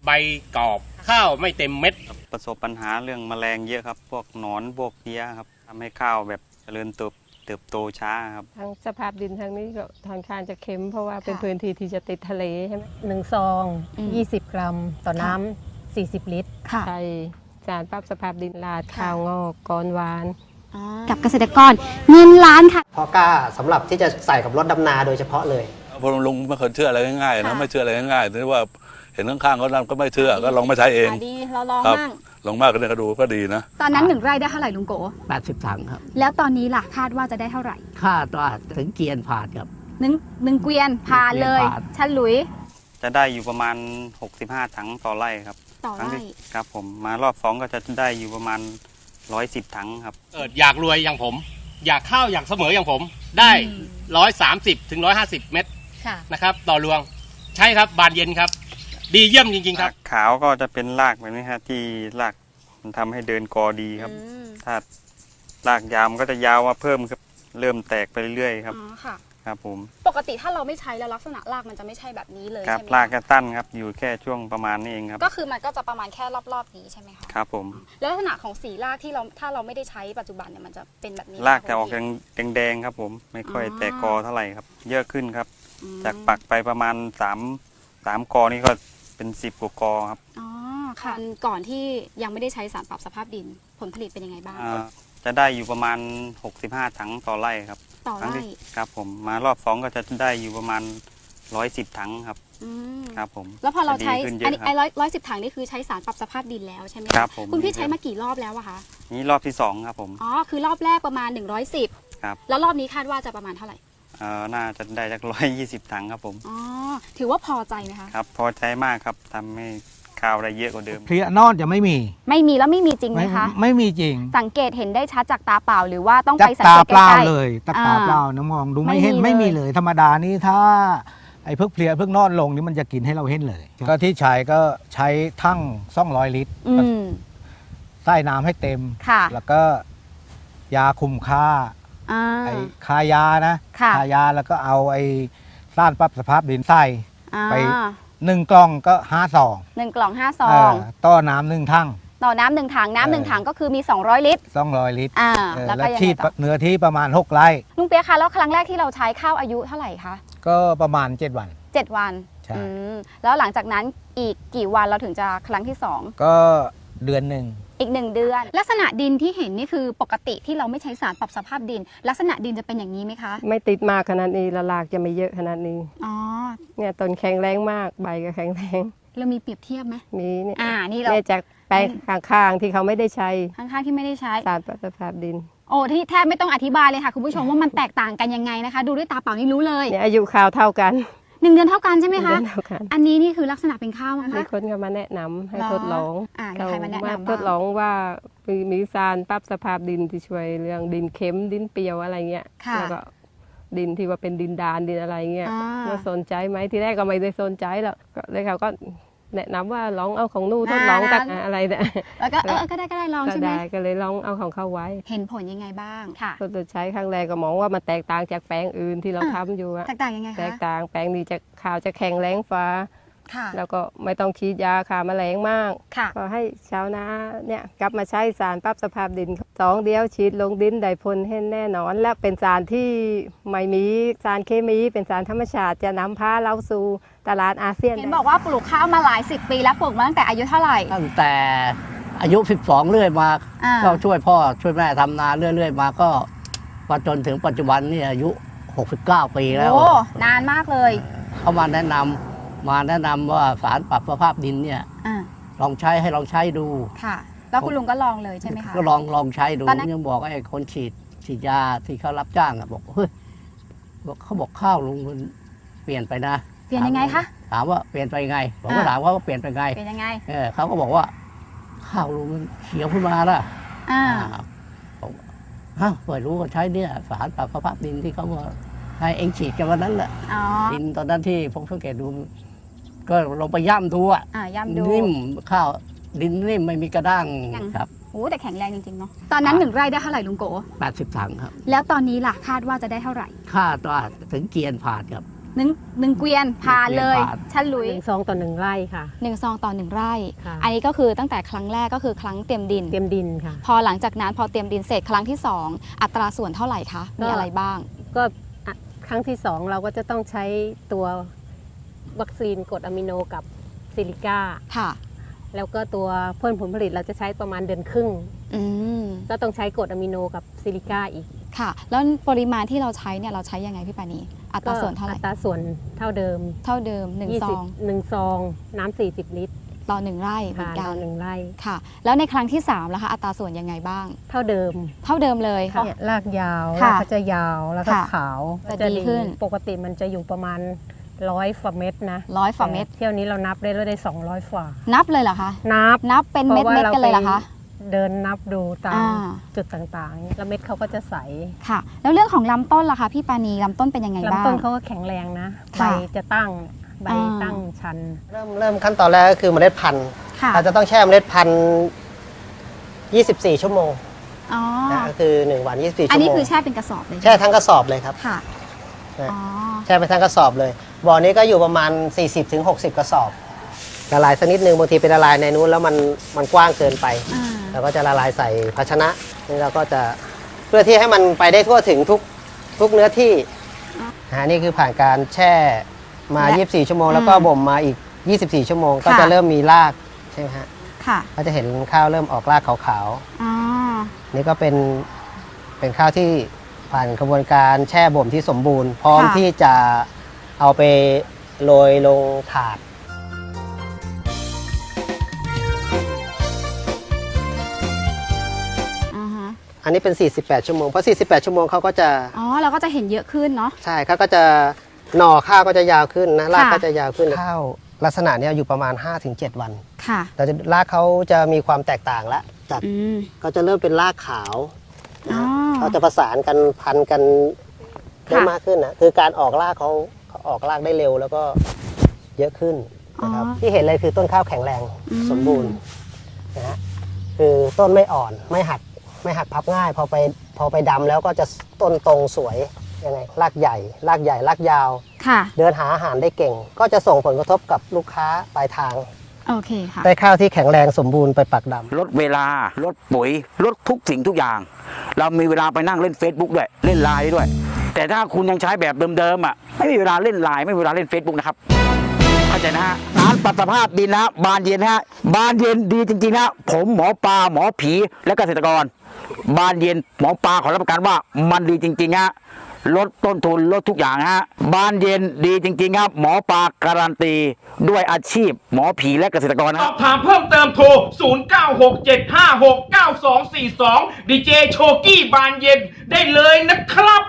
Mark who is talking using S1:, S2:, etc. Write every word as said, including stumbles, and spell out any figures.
S1: ใบกรอบข้าวไม่เต็มเม็ด
S2: ประสบปัญหาเรื่องแมลงเยอะครับพวกหนอนพวกเพี้ยครับทำให้ข้าวแบบเจริญเติบเติบโตช้าครับ
S3: ทางสภาพดินทางนี้ก็ทางคานจะเค็มเพราะว่าเป็นพื้นที่ที่จะติดทะเลใช่ไหม
S4: หนึ่งซองยี่สิบกรัมต่อน้ำสี่สิบลิตร
S3: ใช่สารปรับสภาพดินลาดข้าวงอกกรหวาน
S5: กับเกษตรกรเงินล้านค่ะ
S6: พอกล้าสำหรับที่จะใส่กับรถดำนาโดยเฉพาะเลย
S7: พอลุงไม่เคยเชื่ออะไรง่ายๆนะไม่เชื่ออะไรง่ายๆที่ว่าเห็นข้างๆเขาทำก็ไม่เชื่อก็ลองมาใช้เอง
S5: ดีเราลองบ้าง
S7: ลองมากก็เนี่ยก็ดูก็ดีนะ
S5: ตอนนั้นหนึ่งไร่ได้เท่าไหร่ลุงโก
S8: แปดสิบถังครับ
S5: แล้วตอนนี้ล่ะคาดว่าจะได้เท่าไหร่
S8: คาดว่าถึงเกียนผ่านครับ
S5: หนึ่งหนึ่งเกวียนผ่านเลยฉลุย
S2: จะได้อยู่ประมาณหกสิบห้าถังต่อไร่ครับ
S5: ต่อไร่
S2: ครับผมมารอบสองก็จะได้อยู่ประมาณร้อยสิบถังครับ
S1: เอออยากรวยอย่างผมอยากข้าวอยากเสมออย่างผมได้ร้อยสามสิบถึงร้อยห้าสิบเม็ดนะครับต่อรวงใช่ครับบานเย็นครับดีเยี่ยมจริงๆครับ
S2: ขาวก็จะเป็นรากแบบนี้ครับที่รากมันทำให้เดินกอดีครับถ้ารากยาวมันก็จะยาวมาเพิ่มครับเริ่มแตกไปเรื่อยๆครับครับผม
S5: ปกติถ้าเราไม่ใช้แล้วลักษณะรากมันจะไม่ใช่แบบนี้เลยใช่ไหม
S2: รากก็ตั้นครับอยู่แค่ช่วงประมาณนี้เองครับ
S5: ก็คือมันก็จะประมาณแค่รอบๆนี้ใช่ไหมคะ
S2: ครับผม
S5: แล้วลักษณะของสีรากที่เราถ้าเราไม่ได้ใช้ปัจจุบันเนี่ยมันจะเป็นแบบนี้
S2: รากจะออกแดงๆครับผมไม่ค่อยแตกกอเท่าไหร่ครับเยอะขึ้นครับจากปักไปประมาณสามสามกอนี่ก็เป็นสิบกว่ากอครับ
S5: อ๋อค่ะก่อนที่ยังไม่ได้ใช้สารปรับสภาพดินผลผลิตเป็นยังไงบ้าง
S2: จะได้อยู่ประมาณหกสิบห้าถังต่อไร่ครับ
S5: ต่อไร่
S2: ครับผมมารอบสองก็จะได้อยู่ประมาณร้อยสิบถังครับครับผม
S5: แล้วพอเราใช้อันนี้ไอ้ร้อยร้อยสิบถังนี่คือใช้สารปรับสภาพดินแล้วใช่ไหม
S2: ครับผม
S5: คุณพี่ใช้มากี่รอบแล้วอะคะ
S2: นี่รอบที่สองครับผม
S5: อ๋อคือรอบแรกประมาณหนึ่งร้อยสิบ
S2: ครับ
S5: แล้วรอบนี้คาดว่าจะประมาณเท่าไหร่
S2: เอ่อน่าจะได้สักร้อยยี่สิบถังครับผม
S5: อ๋อถือว่าพอใจไหมคะ
S2: ครับพอใจมากครับทำให้ข้าวได้เยอะกว่าเดิม
S9: เพลียนอนจะไม่มี
S5: ไม่มีแล้วไม่มีจริงไหมคะ
S9: ไม่มีจริง
S5: สังเกตเห็นได้ชัดจากตาเปล่าหรือว่าต้องไปสังเกตใกล้ๆ
S9: ตาเปล่าเลยตาเปล่าน้ำมองดูไม่เห็นไม่มีเลยธรรมดานี่ถ้าไอ้เพิกเพลียเพิกนอนลงนี่มันจะกินให้เราเห็นเลยก็ที่ใช้ก็ใช้ทั้งสองร้อยลิตรใส่น้ำให้เต็มแล้วก็ยาคุมค่าไอ้คายานะคายาแล้วก็เอาไอ้สารปรับสภาพดินใส่ไปหนึ่งกล่องก็ห้าซอง
S5: หนึ่งกล่องห้าซอง
S9: ต่อน้ำหนึ่งถัง
S5: ต่อน้ำหนึ่งถังน้ำหนึ่งถังก็คือมีสองร้อยลิตร
S9: สองร้อยลิตร
S5: อ่า
S9: แล้วก็ฉีดเนื้อที่ประมาณหกไร่
S5: ลุงเปียคะแล้วครั้งแรกที่เราใช้ข้าวอายุเท่าไหร่คะ
S9: ก็ประมาณเจ็ดวัน
S5: เจ็ดวัน
S9: ใช่
S5: แล้วหลังจากนั้นอีกกี่วันเราถึงจะครั้งที่สอง
S9: ก็เดือนหนึ่ง
S5: อีกหนึ่งเดือนลักษณะดินที่เห็นนี่คือปกติที่เราไม่ใช้สารปรับสภาพดินลักษณะดินจะเป็นอย่างนี้ไหมคะ
S3: ไม่ติดมากขนาดนี้ละลากจะไม่เยอะขนาดนี้
S5: อ๋อ
S3: เนี่ยต้นแข็งแรงมากใบก็แข็งแรง
S5: เรามีเปรียบเทียบไหม
S3: มีเนี่ย
S5: อ่านี่เรา
S3: จากแปลงข้างๆที่เขาไม่ได้ใช้
S5: ข้างๆที่ไม่ได้ใช้
S3: สารปรับสภาพดิน
S5: โอ้ที่แทบไม่ต้องอธิบายเลยค่ะคุณผู้ชมว่ามันแตกต่างกันยังไงนะคะดูด้วยตาเปล่านี่รู้เลย
S3: เนี่ยอายุข้าวเท่ากัน
S5: หนึ่งเดือนเท่ากันใช่ไหมคะ
S3: เท่ากัน
S5: อันนี้นี่คือลักษณะเป็นข้าวนะคะ
S3: มีคนก็มาแนะนำให้ทดลอง
S5: อ่าใครมาแนะนำ
S3: ทดลองว่ามีสารปรับสภาพดินที่ช่วยเรื่องดินเค็มดินเปรี้ยวอะไรเงี้ยแล้วก็ดินที่ว่าเป็นดินดานดินอะไรเงี้ยว่าสนใจไหมทีแรกก็ไม่ได้สนใจหรอกก็เลยเขาก็แนะนำว่าลองเอาของนู่นทดลองตักอะไรเนี่ย
S5: แล้วก็เออก็ได้ก็ได้ลองใช่ไหม
S3: ก็เลยลองเอาของเขาไว้
S5: เห็นผลยังไงบ้างค่ะ
S3: ทดใช้ครั้งแรกก็มองว่ามันแตกต่างจากแปลงอื่นที่เราทำอยู่
S5: แตกต่างยังไงคะ
S3: แตกต่างแปลงนี้จะข้าวจะแข็งแรงฟ้าแล้วก็ไม่ต้องฉีดยาฆ่าแมลงมากก็ให้ชาวนาเนี่ยกลับมาใช้สารปรับสภาพดินสองเดียวฉีดลงดินได้ผลเห็นแน่นอนและเป็นสารที่ไม่มีสารเคมีเป็นสารธรรมชาติจะนำพาเราสู่ตลาดอาเซียน
S5: เห็นบอกว่าปลูกข้าวมาหลายสิบปีแล้วปลูกมาตั้งแต่อายุเท่าไหร่
S8: ตั้งแต่อายุสิบสองเรื่อยมาก็ช่วยพ่อช่วยแม่ทำนาเรื่อยๆมาก็มาจนถึงปัจจุบันนี่อายุหกสิบเก้าปีแล้ว
S5: โอ้นานมากเลย
S8: เขามาแนะนำมาแนะนำว่าสารปรับสภาพดินเนี่ยลองใช้ให้ลองใช้ดู
S5: ค่ะแล้วคุณลุงก็ลองเลยใช่ไหมคะ
S8: ก็ลองลองใช้ดูยังบอกไอ้คนฉีดฉีดยาที่เขารับจ้างบอกเฮ้ยเขาบอกข้าวลุงมันเปลี่ยนไปนะ
S5: เปลี่ยนยังไงคะ
S8: ถามว่าเปลี่ยนไปยังไงผมก็ถามว่าเปลี่ยนไปไง
S5: เปลี่ยนยังไง
S8: เออเขาก็บอกว่าข้าวลุงมันเขียวขึ้นมาละ
S5: อ่า
S8: ฮะไม่รู้ก็ใช้เนี่ยสารปรับสภาพดินที่เขาบอกให้เองฉีดกันวันนั้นแหละดินตอนนั้นที่ผมสังเกตดูก็ลงไปย่ำดูอ่ะ
S5: ย่ำดู
S8: นิ่มข้าวดินนิ่มไม่มีกระด้างครับ
S5: โอ้แต่แข็งแรงจริงๆเนาะตอนนั้นหนึ่งไร่ได้เท่าไหร่ลุงโก
S8: แปดสิบถังครับ
S5: แล้วตอนนี้ล่ะคาดว่าจะได้เท่าไหร่
S8: คาดว่าถึงเกียนผ่านครับ
S5: หนึ่งหนึ่งเกวียนผ่านเลย
S8: เกวียนผ่าน
S5: ชันหลุย
S4: หนึ่งซองต่อหนึ่งไร่ค่ะ
S5: หนึ่งซองต่อหนึ่งไร่
S4: ค่ะ
S5: อันนี้ก็คือตั้งแต่ครั้งแรกก็คือครั้งเตรียมดิน
S4: เตรียมดินค่ะ
S5: พอหลังจากนั้นพอเตรียมดินเสร็จครั้งที่สองอัตราส่วนเท่าไหร่คะมีอะไรบ้าง
S4: ก็อ่ะครั้งที่สองเราก็จะต้องใช้ตัววัคซีนกรดอะมิโนกับซิลิก้า
S5: ค่ะ
S4: แล้วก็ตัวเพิ่มผลผลิตเราจะใช้ประมาณเดือนครึ่ง
S5: อืม
S4: ก็ต้องใช้กรดอะมิโนกับซิลิก้าอีก
S5: ค่ะ แล้วปริมาณที่เราใช้เนี่ยเราใช้ยังไงพี่ปานีอัตราส่วนเท่าไหร่
S4: อัตราส่วนเท่าเดิม
S5: เท่าเดิมหนึ่งซ
S4: ยี่สิ
S5: อบ ง
S4: หนึ่งซองน้ำสี่สิบลิตร
S5: ต่อหนึ่งไร่เหมื
S4: ค่ะ
S5: อนกั
S4: ต่อน หนึ่งไร่
S5: ค่ะ แล้วในครั้งที่สามล่ะคะอัตราส่วนยังไงบ้าง
S4: เท่าเดิม
S5: เท่าเดิมเลย
S4: เนี่ยรากยาว
S5: ค่ะ
S4: รากก็จะยาวแล้วก็
S5: ค่ะ
S4: ขาว
S5: จะดีขึ้น
S4: ปกติมันจะอยู่ประมาณร้อยฝ่าเม็ดนะ
S5: ร้อยฝ่าเม็ด
S4: แต่เที่ยวนี้เรานับได้แล้วได้สองร้อยฝ่า
S5: นับเลยเหรอคะ
S4: นับ
S5: นับเป็นเม็ด
S4: พราะ
S5: เม็ด
S4: ว่า
S5: กันเลยเหรอคะ
S4: เดินนับดูตาม
S5: อ่า
S4: จุดต่างๆ แล้วเม็ดเขาก็จะใส
S5: ค่ะ แล้วเรื่องของลำต้นล่ะคะพี่ปานีลำต้นเป็นยังไงบ้าง
S4: ลำต้นเขาก็แข็งแรงนะ ใบ
S5: ค่ะ
S4: จะตั้ง ใบ
S5: อ่า
S4: ตั้งชัน
S6: เริ่มเริ่มขั้นตอนแรกก็คือเมล็ดพันธุ์
S5: ค่ะ
S6: เราจะต้องแช่เมล็ดพันธุ์ยี่สิบสี่ ชั่วโมง
S5: อ๋อ
S6: นะก็คือหนึ่งวันยี่สิบสี่
S5: อัน
S6: ชั่ว
S5: นี้
S6: โมง
S5: คือแช่เป็นกระสอบเลย
S6: แช่ทั้งกระสอบเลยครับ
S5: ค่ะ
S6: นะ
S5: อ๋อ
S6: แช่ไปทั้งกระสอบเลยบ่อนี้ก็อยู่ประมาณ สี่สิบถึงหกสิบ กระสอบละลายสักนิดนึงบางทีเป็นละลายในนู้นแล้วมันมันกว้างเกินไป
S5: อ่า
S6: เราก็จะละลายใส่ภาชนะนี่เราก็จะเพื่อที่ให้มันไปได้ทั่วถึงทุกทุกเนื้อที่นะนี่คือผ่านการแช่มา
S5: และ
S6: ยี่สิบสี่ ชั่วโมงแล้วก็บ่มมาอีก ยี่สิบสี่ ชั่วโมง ก็
S5: ค่ะ
S6: จะเริ่มมีรากใช่ไหมฮะ
S5: ค่ะ
S6: ก็จะเห็นข้าวเริ่มออกรากขาว
S5: อ๋อ
S6: ๆนี่ก็เป็นเป็นข้าวที่ผ่านกระบวนการแช่บ่มที่สมบูรณ์ พร้อม
S5: ค่ะ
S6: ที่จะเอาไปโรยลงถาด
S5: อ่าฮะ
S6: อันนี้เป็น สี่สิบแปด ชั่วโมงเพราะ สี่สิบแปด ชั่วโมงเขาก็จะ
S5: อ๋อเราก็จะเห็นเยอะขึ้นเนาะ
S6: ใช่เขาก็จะหน่อข้าวก็จะยาวขึ้นนะราก
S5: ค่ะ
S6: ก็จะยาวขึ้นข้าวลักษณะเนี้ยอยู่ประมาณ ห้าถึงเจ็ด วัน
S5: ค่ะ
S6: แต่จะรากเขาจะมีความแตกต่างแล้วจาก
S5: อืม
S6: ก็จะเริ่มเป็นรากขาว
S5: อ๋อ
S6: นะเขาจะประสานกันพันกันได้
S5: ค่ะ
S6: มากขึ้นนะคือการออกรากเขาเขาออกรากได้เร็วแล้วก็เยอะขึ้นนะครับ
S5: อ๋อ
S6: ที่เห็นเลยคือต้นข้าวแข็งแรง
S5: อืม
S6: สมบูรณ์นะฮะคือต้นไม่อ่อนไม่หักไม่หักพับง่าย พอไปพอไปดำแล้วก็จะต้นตรงสวยยังไงรากใหญ่รากใหญ่รากยาว
S5: ค่ะ
S6: เดินหาอาหารได้เก่ง ก็จะส่งผลกระทบกับลูกค้าปลายทาง
S5: โอเคค่ะ
S6: ได้ข้าวที่แข็งแรงสมบูรณ์ไปปักดำ
S10: ลดเวลา ลดปุ๋ย ลดทุกสิ่งทุกอย่าง เรามีเวลาไปนั่งเล่น Facebook ด้วย เล่นไลน์ด้วย แต่ถ้าคุณยังใช้แบบเดิมๆอ่ะ ไม่มีเวลาเล่นไลน์ไม่มีเวลาเล่น Facebook นะครับ เข้าใจนะฮะสารปรับสภาพดินนะฮะบานเย็นนะฮะบานเย็นดีจริงๆนะผมหมอปลาหมอผีและเกษตรกร บานเย็นหมอปลาขอรับประกันว่ามันดีจริงๆฮะลดต้นทุนลดทุกอย่างฮะบานเย็นดีจริงๆครับหมอปลาการันตีด้วยอาชีพ หมอผีและเกษตรกรนะ
S11: สอบถามเพิ่มเติมโทร ศูนย์ เก้า หก เจ็ด ห้า หก เก้า สอง สี่ สอง ดีเจโชกี้บานเย็นได้เลยนะครับ